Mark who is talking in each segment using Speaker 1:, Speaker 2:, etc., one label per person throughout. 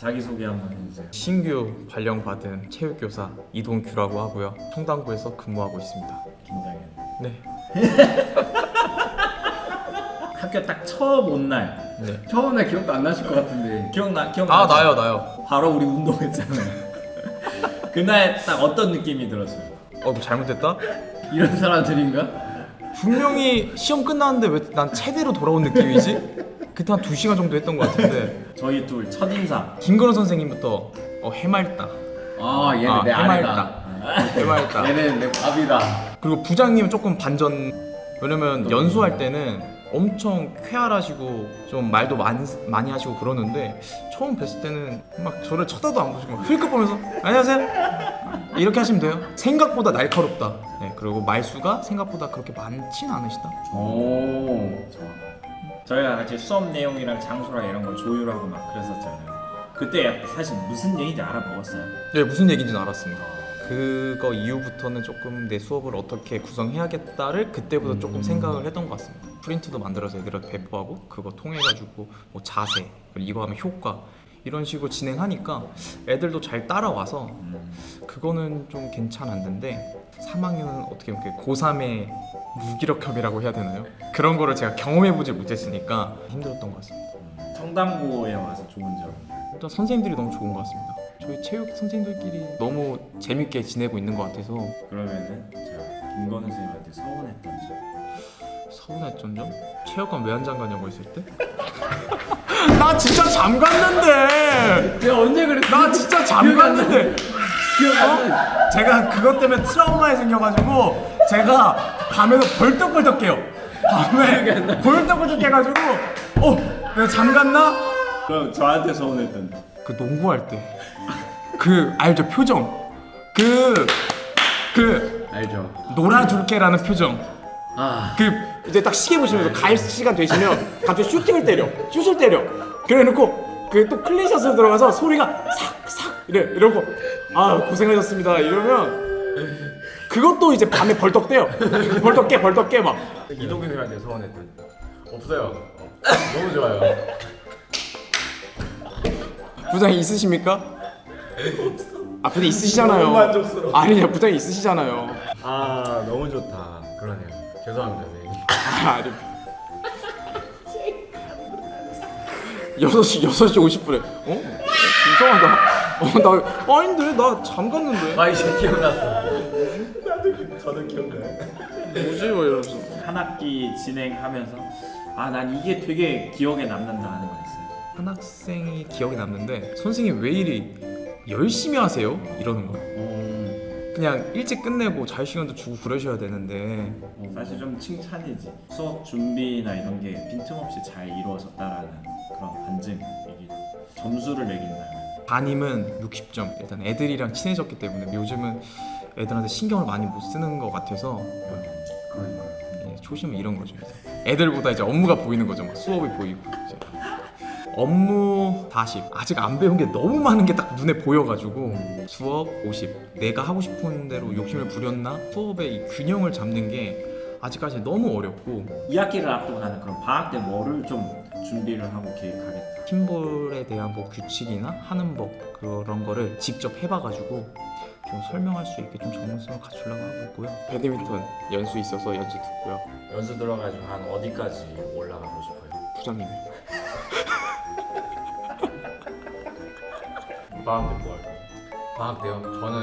Speaker 1: 자기소개 한번 해주세요.
Speaker 2: 신규 발령받은 체육교사 이동규라고 하고요. 청담구에서 근무하고 있습니다.
Speaker 1: 긴장해.
Speaker 2: 네.
Speaker 1: 학교 딱 처음 온 날.
Speaker 2: 네.
Speaker 3: 처음 날 기억도 안 나실 것 같은데.
Speaker 1: 기억나?
Speaker 2: 아 나요.
Speaker 1: 바로 우리 운동했잖아요. 그날 딱 어떤 느낌이 들었어요?
Speaker 2: 뭐 잘못했다?
Speaker 3: 이런 사람들인가?
Speaker 2: 분명히 시험 끝났는데 왜 난 체대로 돌아온 느낌이지? 그때 한 2시간 정도 했던 것 같은데
Speaker 1: 저희 둘 첫인상.
Speaker 2: 김건우 선생님부터 해맑다.
Speaker 3: 아 얘는 내 아내다.
Speaker 2: 해맑다.
Speaker 3: 얘는 내 밥이다.
Speaker 2: 그리고 부장님은 조금 반전. 왜냐면 연수할 때는 엄청 쾌활하시고 좀 말도 많이 하시고 그러는데 처음 뵀을 때는 막 저를 쳐다도 안 보시고 막 흘끗 보면서 안녕하세요 이렇게 하시면 돼요. 생각보다 날카롭다. 네, 그리고 말수가 생각보다 그렇게 많진 않으시다.
Speaker 3: 오.
Speaker 1: 저희가 같이 수업 내용이랑 장소랑 이런 걸 조율하고 막 그랬었잖아요. 그때 사실 무슨 얘기인지 알아먹었어요.
Speaker 2: 네, 무슨 얘기인지는 알았습니다. 그거 이후부터는 조금 내 수업을 어떻게 구성해야겠다를 그때부터 조금 생각을 했던 것 같습니다. 프린트도 만들어서 애들한테 배포하고 그거 통해가지고 뭐 자세, 그리고 이거 하면 효과 이런 식으로 진행하니까 애들도 잘 따라와서 그거는 좀 괜찮았는데 3학년은 어떻게 보면 고3의 무기력함이라고 해야 되나요? 그런 거를 제가 경험해보지 못했으니까 힘들었던 것 같습니다.
Speaker 1: 청담고에 와서 좋은 점.
Speaker 2: 일단 선생님들이 너무 좋은 것 같습니다. 저희 체육 선생님들끼리 너무 재밌게 지내고 있는 것 같아서.
Speaker 1: 그러면은 제가 김건우 선생님한테 서운했던 점.
Speaker 2: 서운했던 점? 체육관 왜 안 잠가냐고 했을 때? 나 진짜 잠갔는데!
Speaker 3: 내가 언제 그랬어?
Speaker 2: 나 진짜 잠갔는데!
Speaker 3: 기억 안 나.
Speaker 2: 제가 그것 때문에 트라우마에 생겨가지고 제가 밤에도 벌떡벌떡 깨요. 밤에 벌떡벌떡 깨가지고 내가 잠갔나?
Speaker 1: 그럼 저한테 서운했던 점.
Speaker 2: 그 농구할 때 그 알죠? 표정 그
Speaker 3: 알죠.
Speaker 2: 놀아줄게라는 표정
Speaker 3: 아.
Speaker 2: 그 이제 딱 시계 보시면서 갈 시간 되시면 갑자기 슛을 때려 그래놓고 그 또 클린샷으로 들어가서 소리가 삭삭 이러고 아 고생하셨습니다 이러면 그것도 이제 밤에 벌떡 떼요. 벌떡 깨 막.
Speaker 4: 이동규 선생님한테 서운했던 없어요. 너무 좋아요.
Speaker 2: 부장이 있으십니까? 아 부장 있으시잖아요.
Speaker 4: 너무 만족스러워.
Speaker 2: 아니요 부장 있으시잖아요.
Speaker 4: 아 너무 좋다. 그러네요. 죄송합니다 선생님.
Speaker 2: 아니 6시 50분에 이상하다. 나 아닌데 나 잠갔는데
Speaker 4: 아 이제 기억났어. 저도 기억나요.
Speaker 2: 뭐지 뭐 이러면서
Speaker 1: 한 학기 진행하면서 난 이게 되게 기억에 남는다 하는 거 있어요.
Speaker 2: 한 학생이 기억에 남는데 선생님 왜 이리 열심히 하세요? 이러는 거예요. 그냥 일찍 끝내고 자유시간도 주고 그러셔야 되는데
Speaker 1: 사실 좀 칭찬이지. 수업 준비나 이런 게 빈틈없이 잘 이루어졌다라는 그런 반증이기도. 점수를 매긴다면
Speaker 2: 담임은 60점. 일단 애들이랑 친해졌기 때문에 요즘은 애들한테 신경을 많이 못 쓰는 것 같아서 초심은 이런 거죠. 이제. 애들보다 이제 업무가 보이는 거죠. 막 수업이 보이고 이제. 업무 40. 아직 안 배운 게 너무 많은 게 딱 눈에 보여가지고 수업 50. 내가 하고 싶은 대로 욕심을 부렸나? 수업의 이 균형을 잡는 게 아직까지 너무 어렵고
Speaker 1: 2학기를 앞두고 나는 그런 방학 때 뭐를 좀 준비를 하고 계획하겠다.
Speaker 2: 팀볼에 대한 뭐 규칙이나 하는 법 그런 거를 직접 해봐가지고 좀 설명할 수 있게 좀 전문성을 갖추려고 하고 있고요. 배드민턴 연수 있어서 연수 듣고요.
Speaker 1: 연수 들어가지고 한 어디까지 올라가고 싶어요?
Speaker 2: 부장님
Speaker 4: 방학 때 뭐 할까요? 방학 때요?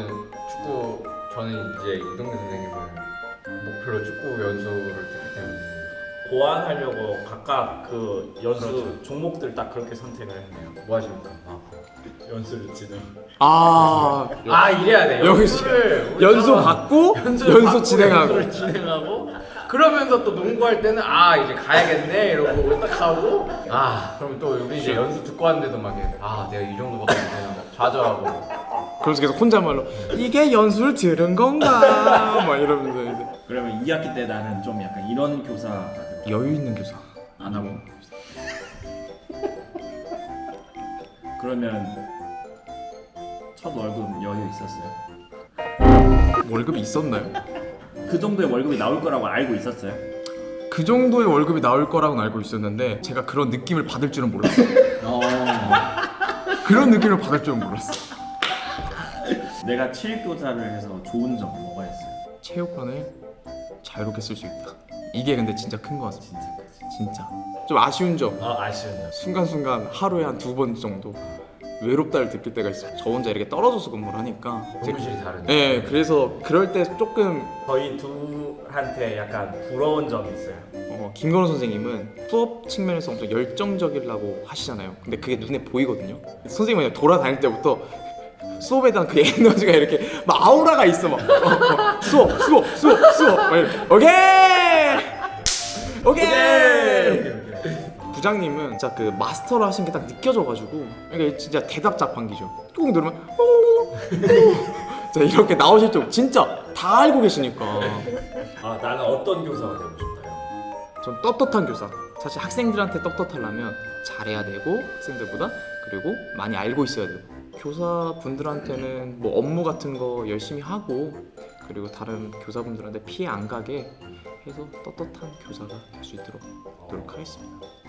Speaker 4: 저는 이제 이동규 선생님을 목표로 축구 연수를 듣기 때문에
Speaker 1: 고안하려고 각각 그 연수
Speaker 4: 그렇죠.
Speaker 1: 종목들 딱 그렇게 선택을 했네요.
Speaker 4: 뭐 하십니까?
Speaker 1: 연수를 진행.
Speaker 4: 이래야 돼.
Speaker 2: 여기 연수
Speaker 4: 받
Speaker 2: 받고 연수 진행하고
Speaker 4: 연수를 진행하고 그러면서 또 농구할 때는 이제 가야겠네 이러고 딱 하고 그럼 또 우리 이제 연수 듣고 왔는데도 막 내가 이 정도밖에 안 되나 좌절하고
Speaker 2: 그래서 계속 혼잣말로 이게 연수를 들은 건가 막 이러면서 이제
Speaker 1: 그러면 2학기 때 나는 좀 약간 이런 교사가 되고
Speaker 2: 여유 있는 교사
Speaker 1: 안 하고. 그러면 첫 월급 여유 있었어요?
Speaker 2: 월급이 있었나요?
Speaker 1: 그 정도의 월급이 나올 거라고 알고 있었어요?
Speaker 2: 그 정도의 월급이 나올 거라고는 알고 있었는데 제가 그런 느낌을 받을 줄은 몰랐어요. 그런 느낌을 받을 줄은 몰랐어.
Speaker 1: 내가 체육교사를 해서 좋은 점 뭐가 있어요?
Speaker 2: 체육관을 자유롭게 쓸 수 있다. 이게 근데 진짜 큰 거 같습니다. 진짜. 좀 아쉬운 점.
Speaker 1: 아쉬운 점.
Speaker 2: 순간순간 하루에 한 2번 정도 외롭다를 느낄 때가 있어요. 저 혼자 이렇게 떨어져서 근무를 하니까.
Speaker 4: 근무실이 다르니까.
Speaker 2: 네, 그래서 그럴 때 조금
Speaker 1: 저희 둘한테 약간 부러운 점이 있어요.
Speaker 2: 김건우 선생님은 수업 측면에서 엄청 열정적이라고 하시잖아요. 근데 그게 눈에 보이거든요. 선생님은 그냥 돌아다닐 때부터 수업에 대한 그 에너지가 이렇게 막 아우라가 있어. 막 수업 막 이렇게. 오케이. 부장님은 진짜 그 마스터를 하신 게 딱 느껴져가지고 그러니까 진짜 대답 자판기죠. 꾹 누르면 자 이렇게 나오실 줄 진짜 다 알고 계시니까.
Speaker 1: 아 나는 어떤 교사가 되고 싶다요?
Speaker 2: 전 떳떳한 교사. 사실 학생들한테 떳떳하려면 잘해야 되고 학생들보다 그리고 많이 알고 있어야 되고 교사분들한테는 뭐 업무 같은 거 열심히 하고 그리고 다른 교사분들한테 피해 안 가게 해서 떳떳한 교사가 될 수 있도록 노력하겠습니다.